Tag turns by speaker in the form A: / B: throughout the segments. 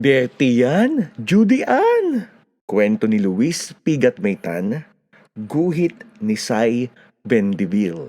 A: Dirty yan, Judy Ann! Kwento ni Luis Pigat Maytan, guhit ni Sai Bendiville.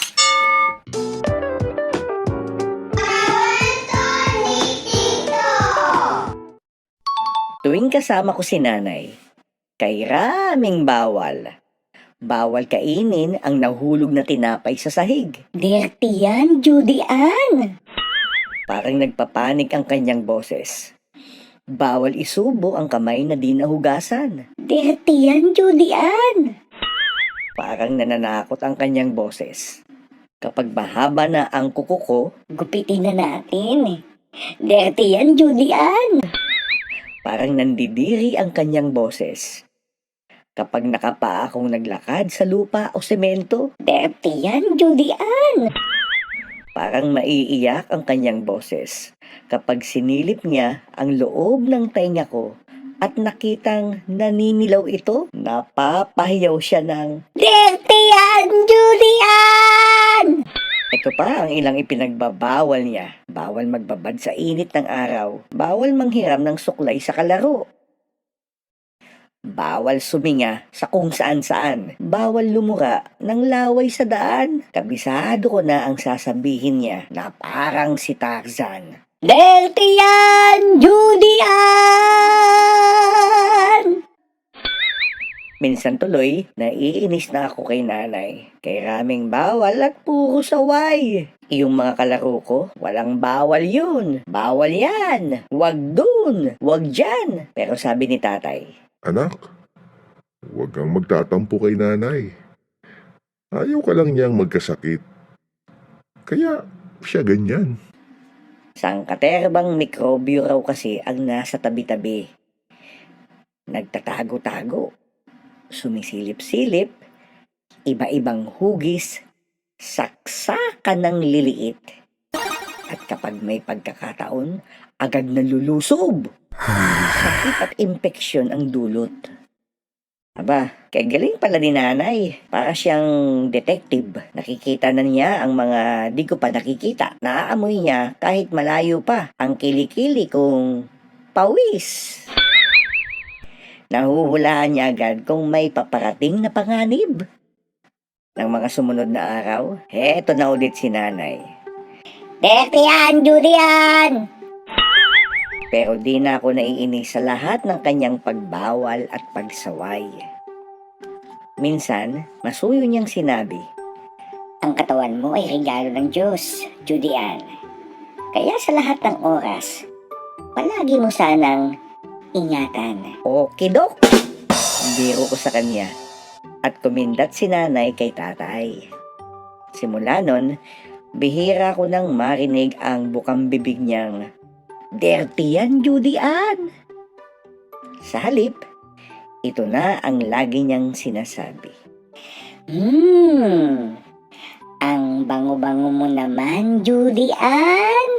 B: Tuwing kasama ko si nanay, kay raming bawal. Bawal kainin ang nahulog na tinapay sa sahig.
C: Dirty yan, Judy Ann.
B: Parang nagpapanik ang kanyang boses. Bawal isubo ang kamay na di nahugasan.
C: Dirty yan, Judy Ann.
B: Parang nananakot ang kanyang boses. Kapag mahaba na ang kuko ko,
C: Gupitin na natin. Dirty yan, Judy Ann.
B: parang nandidiri ang kanyang boses. Kapag nakapaa akong naglakad sa lupa o semento,
C: Dirty yan, Judy Ann.
B: parang maiiyak ang kanyang boses. Kapag sinilip niya ang loob ng tainga ko at nakitang naninilaw ito, napapahiyaw siya ng,
C: Dirty yan, Judy Ann.
B: ito pa ang ilang ipinagbabawal niya. Bawal magbabad sa init ng araw. Bawal manghiram ng suklay sa kalaro. Bawal suminga sa kung saan-saan. Bawal lumura ng laway sa daan. Kabisado ko na ang sasabihin niya na parang si Tarzan.
C: Dirty yan, Judy Ann.
B: Minsan tuloy, naiinis na ako kay nanay. Kay raming bawal at puro saway. Yung mga kalaro ko, walang bawal yun. Bawal yan. Wag dun. Wag dyan. Pero sabi ni tatay,
D: Anak, huwag kang magtatampo kay nanay. Ayaw ka lang niyang magkasakit. Kaya siya ganyan.
B: sangkaterbang mikrobyo raw kasi ang nasa tabi-tabi. Nagtatago-tago. Sumisilip-silip. Iba-ibang hugis. Saksakan ng liliit. At kapag may pagkakataon, agad nalulusob. Sakit at impeksyon ang dulot. Aba, kay galing pala ni nanay. Para siyang detective. Nakikita na niya ang mga di ko pa nakikita. Naaamoy niya kahit malayo pa ang kilikili kong pawis. Nahuhulaan niya agad kung may paparating na panganib. Ng mga sumunod na araw, heto na ulit si nanay.
C: Dirty yan, Judy Ann.
B: Pero di na ako naiinis sa lahat ng kanyang pagbawal at pagsaway. Minsan, masuyo niyang sinabi,
C: Ang katawan mo ay regalo ng Diyos, Judy Ann. Kaya sa lahat ng oras, palagi mo sanang ingatan.
B: "Okidok!" Biro ko sa kanya at kumindat si nanay kay tatay. Simula nun, bihira ko nang marinig ang bukang bibig niyang, "Dirty yan, Judy Ann!" Sa halip, ito na ang lagi niyang sinasabi.
C: Ang bango-bango mo naman, Judy Ann.